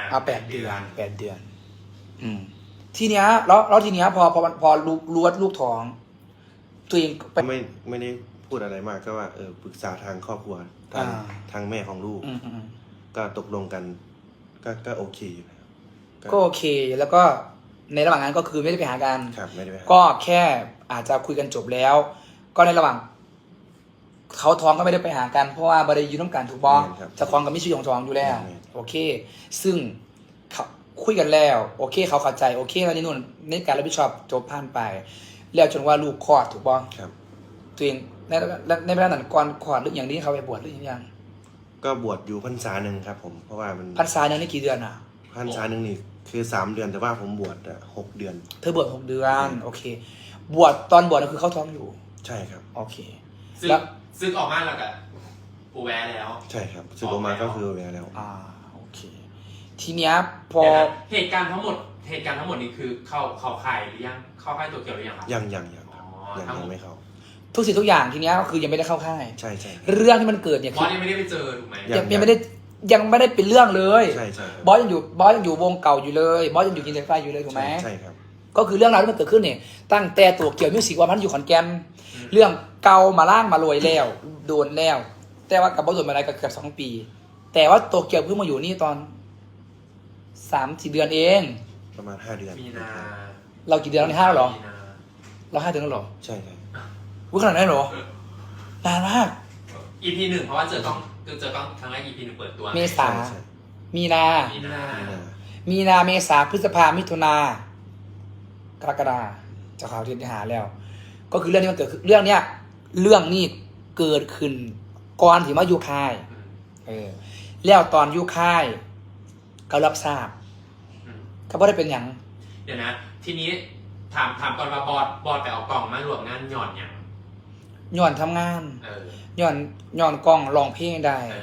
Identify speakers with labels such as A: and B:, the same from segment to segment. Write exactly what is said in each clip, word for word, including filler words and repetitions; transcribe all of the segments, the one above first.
A: เอาแปดเดือนแปดเดือน อืม ทีเนี้ยแล้วแล้วทีเนี้ยพอพอพอรู้รู้ว่าลูกท้องตัวเองไป
B: ไม่ไม่ได้พูดอะไรมากก็ว่าเออปรึกษาทางครอบครัวทาง
A: อ่า
B: ทางแม่ของลูก
A: อืมอืม
B: ก็ตกลงกัน ก็ก็โอเคอยู่นะครับ
A: ก็โอเคแล้วก็ในระหว่างนั้นก็คือไม่ได้ไปหากัน
B: ครับไม่ได้ไปหา
A: ก็แค่อาจจะคุยกันจบแล้ว ก็ในระหว่างเขาท้องก็ไม่ได้ไปหากันเพราะว่าบริยุน้ำกันถูกบ้องจะท้องกับมิชิของท้องอยู่แล้วโอเค ซึ่งเขาคุยกันแล้วโอเค เขาเข้าใจโอเคแล้วนี่นู่นในการรับผิดชอบจบผ่านไป แล้วจนว่าลูกคลอดถูกบ้อง
B: ครับ
A: ตัวเองในในเวลานั้นก่อนคลอดหรืออย่างนี้เขาไปบวชหรือยัง
B: ก็บวชอยู่พรรษาหนึ่งครับ ผมเพราะว่ามัน
A: พรรษาหนึ่งนี่กี่เดือนอ่ะ
B: พรรษาหนึ่งนี่คือสามเดือนแต่ว่าผมบวชอะหกเดือน
A: เธอบวชหกเดือนโอเค บวชตอนบวชก็คือเขาท้องอยู่
B: ใช่ครับ
A: โอเค
C: ซึ่ง
A: แล้ว
C: ซึ่งออกมาแล้วกับปูแวร์แล้ว
B: ใช่ครับสึกออกมาก็คือเวลาแล้ว
A: อ่าโอเค ทีเนี้ยพอ
C: เดี๋ยวนะเหตุการณ์ทั้งหมดเหตุการณ์ทั้งหมดนี้คือเข้าเข้าค่ายหรือยังเข้าค่ายตัวเกี่ยวหรือยังครับ
B: ยังยังยังครับ
C: อ๋อ
B: ยัง
C: ทั้งหม
B: ยั
C: ด
B: งไม่เข้า
A: ทุกสิ่งทุกอย่างทีเนี้ยก็คือยังไม่ได้เข้าค่าย
B: ใช่ใช่
A: เรื่องที่มันเกิดเนี่ย
C: บ
A: คือ อ
C: สยังไม่ได้ไปเจอถูกไหม
A: ยังยังไม่ได้ยังไม่ได้เป็นเรื่องเลย
B: ใช่ใช่ครับ
A: บอสยังอยู่บอสยังอยู่วงเก่าอยู่เลยบอสยังอยู่กินเซนไฟอยู่เลยถูกไหม
B: ใช่ครับ
A: ก็คือเรื่องราวที่มันเกิดขึ้นเนี่ยตั้งแต่ตัวเกี่ยวมิวสิกว่ามันอยู่ขอนแก่นเรื่องเก่ามาล่างมาลอยแล้วโดนแล้ว แต่ว่ากับบอสโดนมาอะไรก็เกือบสองปี แต่ว่าตัวเกี่ยวเพิ่งมาอยู่นี่ตอนสามสี่เดือนเอง
B: ประมาณห้าเดือน
C: มีนา
A: เรากี่เดือนแล้วในห้าหรอ
C: มีนา
A: เราห้าเดือนแล้วหรอ
B: ใช่ใช่
A: วุ้ยขนาดนั้นเหรอ นานมาก
C: อีพีหนึ่งเพราะว่าเจอกล้องเจอกล้องครั้งแรกอีพีหนึ่งเปิดตัว
A: เมษา
B: ใช่ใช่
A: มีนา
C: มีนา
B: มีนา
A: มีนาเมษาพฤษภามิถุนากรกฎาจะข่าวที่หาแล้ว ก็คือเรื่องนี้มันเกิดขึ้นเรื่องเนี้ยเรื่องนี้เกิดขึ้นก่อนที่มาอยู่ค่าย
C: อืม
A: เออแล้วตอนอยู่ค่ายก็รับทราบ
C: อืม
A: ก็บ่ได้เป็นอย่าง
C: เดี๋ยวนะ ทีนี้ถามถามก่อนว่าบอสบอสไปเอากล่องมารวมงานหย่อนอย่าง
A: ย้อนทำงาน
C: เออ
A: ย้อนย้อนกล้องร้องเพลงได้
C: เออก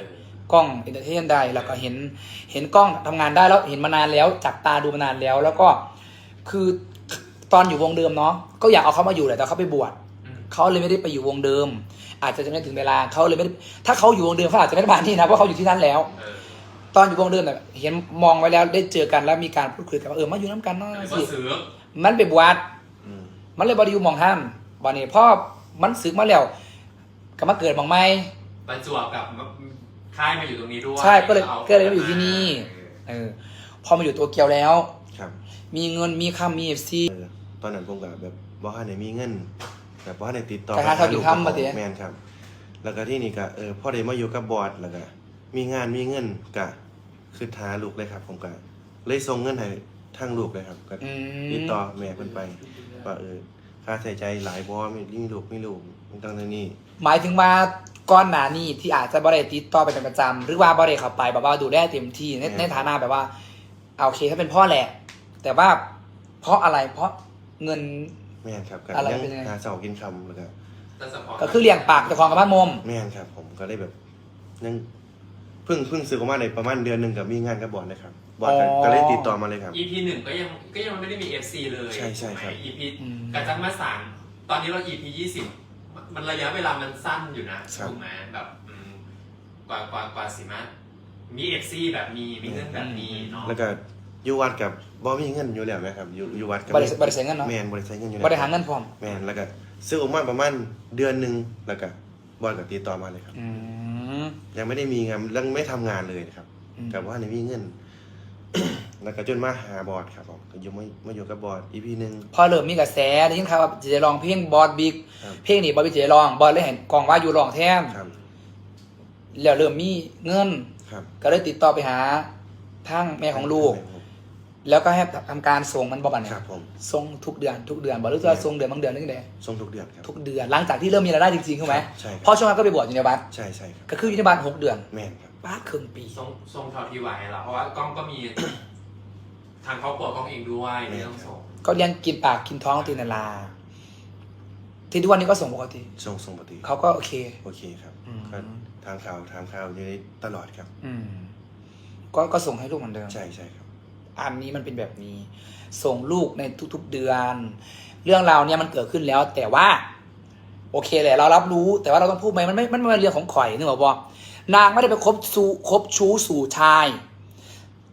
A: ล้องเอนเตอร์เทนได้แล้วก็เห็นเห็นกล้องทำงานได้แล้วเห็นมานานแล้วจับตาดูมานานแล้ว แล้วก็คือตอนอยู่วงเดิมเนาะก็อยากเอาเขามาอยู่แหละแต่เขาไปบวช
C: อืม
A: เขาเลยไม่ได้ไปอยู่วงเดิม อาจจะจะไม่ถึงเวลาเขาเลยไม่ได้ถ้าเขาอยู่วงเดิมเขาอาจจะไม่ได้มาที่นะเพราะเขาอยู่ที่นั่นแล้ว
C: เออ
A: ตอนอยู่วงเดิมเนี่ยเห็นมองไว้แล้วได้เจอกันแล้วมีการพูดคุยกันว่าเออมาอยู่น้ำกันเนาะ
C: แล้วก็
A: สิ
C: ซื้อ
A: มันไปบวช
B: อืม
A: มันเลยบริยูมองห้ามวันนี้พ่อมันสึกมาแล้วก็มาเกิดมองไม่
C: ประจวบกับค่ายมาอยู่ตรงนี้ด้วย
A: ใช่ก็เลย
C: อา
A: ก็เลยมาอยู่ที่นี่ เออพอมาอยู่ตัวเกียวแล้ว
B: ครับ
A: มีเงินมีคำมีเอฟซี
B: เออตอนนั้นผมกับแบบบ่ฮันได้มีเงินแบบบ่ฮันได้ติดต่อ
A: แต่หาเท่าอยู่ค่ำมาติ
B: แมนครับ แล้วก็ที่นี่ก็เออพ่อได้มาอยู่กับบอร์ดแล้วก็มีงานมีเงินก็คือท้าลูกเลยครับ ผมก็เลยส่งเงินให้ทางลูกเลยครับก็
A: อืม
B: ติดต่อแม่เพิ่นไปว่าเออค่าใช้จ่ายหลายบ่มีมีลูกมีลูกมันต้องเท่านี้
A: หมายถึงว่าก้อนหนานี่ที่อาจจะบริติดต่อไปเป็นประจำหรือว่าบริเข้าไปแบบว่าดูแลเต็มที่ในในฐานะแบบว่าเอาโอเคถ้าเป็นพ่อแหละ แต่ว่าเพราะอะไรเพราะเงิน
B: แม่นครับก็
A: อะไร
B: ยัง
A: เป็นไง
B: หาเสากินคำแล้วก็
C: แต่เฉพาะ
A: ก็คือเลี้ยงปากเจ้าของกับบ้านมม
B: แม่นครับ ผมก็ได้แบบยังเพิ่งเพิ่งซื้อออกมาในประมาณเดือนหนึงกับมีงานกับบอร์ดนะครับบอร์ดก็ก็เลยติดต่อมาเลยครับ
C: อีพีหนึ่งก็ยังก็ยังไม่ได้มีเอฟซีเลย
B: ใช่ใช่ครับ
C: อีพี
A: อืม
C: กระจังมาสามตอนนี้เราอีพียี่สิบมันระยะเวลามันสั้นอยู่นะถูกไหมแบบอืมกว่ากว่ากว่าสิมามีเอฟซีแบบมีมีเงินแบบนี้เนาะ
B: แล้วก็อยู่วัดกับบอมีเงินอยู่แล้วนะครับอยู่อยู่วัดกั
A: บริบริษัทเงินเนาะ
B: แมนบริษัทเงินอยู่
A: บริหารเงินพร้อม
B: แมนแล้วก็ซื้อออกมาประมาณเดือนหนึ่งแล้วก็บอร์ดก็ติดต่อมาเลยครับ
A: อืม
B: ยังไม่ได้มีงานยังไม่ทำงานเลยนะครับ
A: อืม
B: กับว่าในมีเงิน แล้วก็จนมาหาบอร์ดครับผมก็อยู่มามาอยู่กับบอร์ดอีพีหนึ่ง
A: พอเริ่มมีกระแสได้ยินข่าวว่าจะลองเพลงบอสบิ๊ก
B: ครับ
A: เพลงนี้บอสบิ๊กจะลองบอสเลยเห็นกองว่าอยู่ลองแท้ม
B: ครับ
A: แล้วเริ่มมีเงิน
B: ครับ
A: ก็เลยติดต่อไปหาทางแม่ของลูก แล้วก็ให้ทำการส่งมันบอบันเนี่
B: ครั
A: ย
B: บผม
A: ส่งทุกเดือนทุกเดือนบอกหรือว่าส่งเดือนบางเดือนนึงเดือน
B: ส่งทุกเดือนครับ
A: ทุกเดือนหลังจากที่เริ่มมีรายได้จริงๆถูกไหม
B: ใช่ครับ
A: เพราะช่วงนั้นก็ไปบวชอยู่ในวัด
B: ใช่ใช่ครับ
A: ก็คืออยู่ในบ้านหกเดือน
B: แม่นครับ
A: บ้าครึ่งปี
C: ทรงทรงเท่าที่ไหวเราเพราะว่ากล้องก็มี ทางครอบครัวกล้องเองด้วยไม่ต้องส่ง
A: ก็เลี้ยงกินปากกินท้องตีนาลาที่ทุกวันนี้ก็ส่งปกติ
B: ส่งส่งปกติ
A: เขาก็โอเค
B: โอเคครับ
A: อืม
B: ก็ทางข่าวทางข่าวอยู่ในตลอดครับ
A: อืมก็ก็ส่งให้ลูกเหมือนเดิม
B: ใช่ใช่ครับ
A: อันนี้มันเป็นแบบนี้ ส่งลูกในทุกๆเดือน เรื่องราวเนี่ยมันเกิดขึ้นแล้ว แต่ว่า โอเคแหละเรารับรู้ แต่ว่าเราต้องพูดไหมมันไม่มันไม่เป็นเรื่องของข่อยนึกออกปะนางไม่ได้ไปคบสู่คบชู้สู่ชาย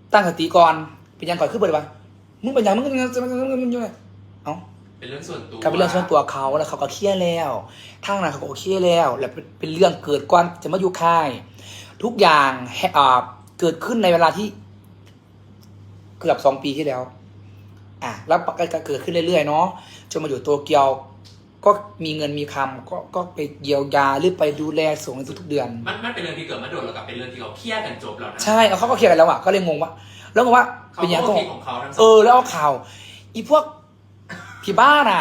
A: ตั้งสติก่อนเป็นยังก่อนขึ้นเบิดวะมึงเป็นยังมึงมึงมึงมึงมึงมึงเอ้า
C: เป็นเรื่องส่วนตัว
A: ก็เป็นเรื่องส่วนตัวเขาแล้วเขาก็เครียดแล้วทางนั้นเขาก็โอเคแล้ว แล้วเป็นเรื่องเกิดก่อนจะมาอยู่ค่าย ทุกอย่างให้อ่าเกิดขึ้นในเวลาที่เกือบสองปีที่แล้ว อ่ะแล้วก็เกิดขึ้นเรื่อยๆเนาะจนมาอยู่โตเกียว ก็มีเงินมีคำก็ก็ไปเยียวยาหรือไปดูแลส่งในทุกๆเดือน
C: มันมันเป็นเรื่องที่เกิดมาโดนแล้วกับเป็นเรื่องที่เขาเครียดกันจบแล้วนะ
A: ใช่เอาเขาก็เคลียร์กันแล้วอ่ะก็เลยงงว่า แล้วงงว่า
C: เขา
A: เป็นยัง
C: ก็
A: ไง
C: โอเคของเขาทั้งส
A: เอ
C: อง
A: อแล้วเอาข่าว อีพวกพี่บ้านอ่ะ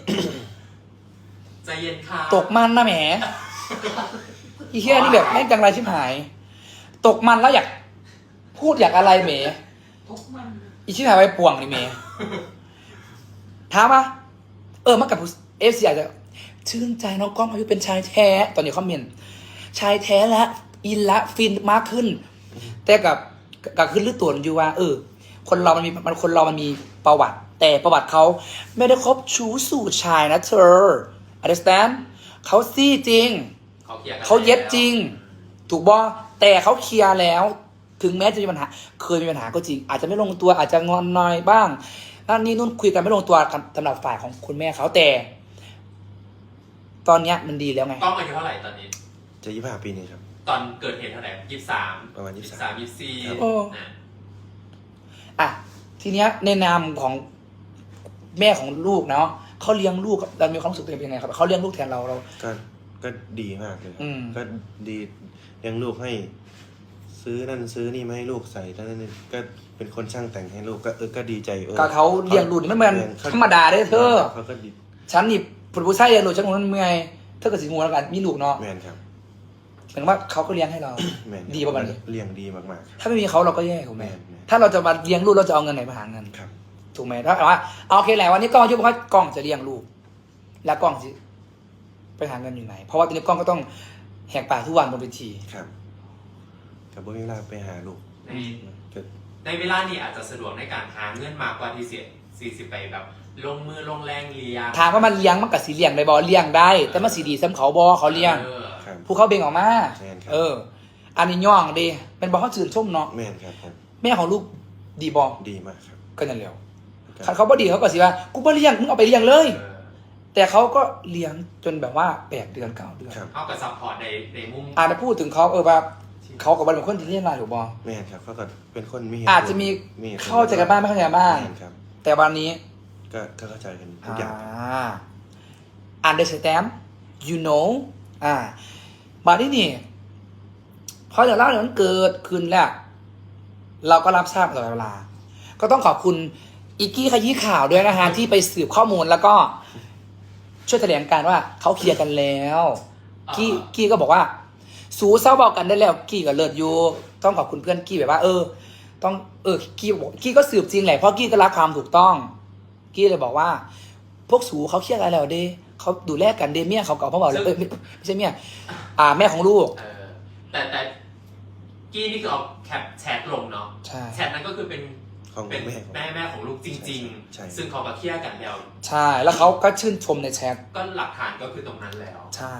C: ใจเย็นค่ะ
A: ตกมันนะแหม อีเฮียนี่แบบแม่งจังไรชิบหาย ตกมันแล้วอยากพูดอยากอะไรแหม
D: ทุกมัน
A: อีชิบหายไปป่วงนี่แหมถามปะเออมากับเอฟซีอาจจะชื่นใจน้องก้องอายุเป็นชายแท้ ตอนนี้คอมเมนต์ชายแท้และอินละฟินมากขึ้น แต่กับกับขึ้นหรือตัวอยู่ว่า เออ คนเรามันมีมันคนเรามันมีประวัติ แต่ประวัติเขาไม่ได้คบชู้สู่ชายนะเธอ understand เขาซี่จริง
C: เขาเคลียร์กัน
A: เขาเย็บจริง ถูกบ่แต่เขาเคลียร์แล้ว ถึงแม้จะมีปัญหา เคยมีปัญหาก็จริง อาจจะไม่ลงตัวอาจจะงอนหน่อยบ้างนั่นนี่นู่นคุยกันไม่ลงตัวสำหรับฝ่ายของคุณแม่เขาแต่ ตอนเนี้ยมันดีแล้วไง
C: กล้องอายุเท่าไหร่ตอนนี้
B: จะยี่สิบห้าปีนี้ครับ
C: ตอนเกิดเหตุเท่าไหร่ยี่สิบสาม
B: ประมาณยี่สิบสาม
C: สามยี่สิบสี่
A: โอ้
C: นะ
A: อ่ะทีเนี้ยในนามของแม่ของลูกเนาะเขาเลี้ยงลูกเรามีความรู้สึกตัวเองเป็นยังไงครับเขาเลี้ยงลูกแทนเราเรา
B: ก็ก็ดีมากเลยครั
A: อื
B: บ
A: ม
B: ก็ดีเลี้ยงลูกให้ ซื้อนั่นซื้อนี่มาให้ลูกใส่นั่นนี่ก็เป็นคนช่างแต่งให้ลูกก็เออก็ดีใจเออ
A: ก็เขาเลี้ยงลูกนี่มันเหมือนธรรมดาเด้อเธอ
B: เขาก็ดี
A: ฉันนี่ผู้ชายเลี้ยงลูกฉันคงมันเมื่อยเธอก็สิงูแล้วกันมีลูกเนาะ
B: แมนครับ
A: เหมือนว่าเขาก็เลี้ยงให้เรา
B: แมน
A: ดีประมาณนี้
B: เลี้ยงดีมากๆครับ
A: ถ้าไม่มีเขาเราก็แย่ถูกไหม
B: แม่นแม่น
A: ถ้าเราจะมาเลี้ยงลูกเราจะเอาเงินไหนมาหาเงิน
B: ครับ
A: ถูกไหมถ้าว่าเอาโอเคแหละวันนี้กล้องยุบว่ากล้องจะเลี้ยงลูก แล้วกล้องจะไปหาเงินอยู่ไหน เพราะว่าตอนนี้กล้องก็ต้องแหกปากทุกวันบนเวที
B: ครับกับบ่มีเวลาไปหาลูก
C: ใน
B: ก็
C: ในเวลานี้อาจจะสะดวกในการหาเงินมากกว่าที่เสียสี่สิบไปแบบ ลงมือลงแรงเลี้ยง
A: ถามว่ามันเลี้ยงมันกับสีเลี้ยงได้บอเลี้ยงได้ แต่มันสีดีซ้ำเขาบอเขาเลี้ยง
C: ออ
B: ครับ
A: ผู้เขาเบ่งออกมา
B: แม่นครับ
A: เออ อันนี้ย่องดีเป็นบอเขาจืดชุ่มเนาะ
B: แม่นครับผม
A: แม่ของลูกดีบอ
B: ดีมากครับ
A: ก็นั่นแหละ
B: ก็
A: คันเขาบ่ดีเขาก็สิว่ากูบ่เลี้ยงมึงเอาไปเลี้ยงเลย
C: เออ
A: แต่เขาก็เลี้ยงจนแบบว่าแปดเดือนเก้าเดือน
B: ครับ
C: เอากับซัพพอร์ตในในมุม
A: อาจจะพูดถึงเขาเออแบบเขากับเป็นคนที่เลี้ยงมาถูกบอ
B: แม่นครับเขาก็เป็นคนมีเหตุ
A: อาจจะมี
B: มีหตุผล
A: เข้าใจกันบ้างไม่เข้าใจกันบ้าง
B: แม่นครับ
A: แต่วันนี้
B: ก็ก็เข้าใจกันทุ
A: อ่
B: กอย่าง
A: า understand you know อ่าบัดนี้นี่พอเดี๋ยวเล่าเดี๋ยวมันเกิดขึ้นแล้ว เราก็รับทราบตลอดเวลา ก็ต้องขอบคุณอีกกี้ขยี้ข่าวด้วยนะฮะที่ไปสืบข้อมูลแล้วก็ช่วยแถลงการว่าเขาเคลียร์กันแล้ว กี้กี้ก็บอกว่า สูเศร้าเบากันได้แล้ว กี้กับเลิศอยู่ต้องขอบคุณเพื่อนกี้แบบว่า เออ ต้องเออกี้บอกกี้ก็สืบจริงแหละเพราะกี้ก็รักความถูกต้อง กี้เลยบอกว่า พวกสูเขาเครียดอะไรแล้วเด้เขาดูแลกันเด้เมียเขาเก่าพ่อบอกเลยเออไม่ไม่ใช่เมียอ่าแม่ของลูก
C: เออแต่แต่กี้นี่คือเอาแคปแชทลงเนาะ
A: ใช่
C: แชทนั้นก็คือเป็น
B: ของ
C: เป็น
B: แม่ของ
C: แม่แม่ของลูกจริง
B: ใช่
C: ๆ ซึ่งเขาก็เคลียร์กันแล้ว
A: ใช่ แล้วเขาก็ชื่นชมในแชท
C: ก็หลักฐานก็คือตรงนั้นแล้ว
A: ใช่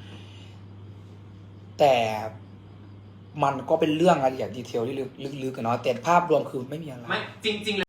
A: แต่มันก็เป็นเรื่องรายละเอียดดีเทลที่ลึกๆกันเนาะแต่ภาพรวมคือไม่มีอะไร
C: ไม่จริงๆ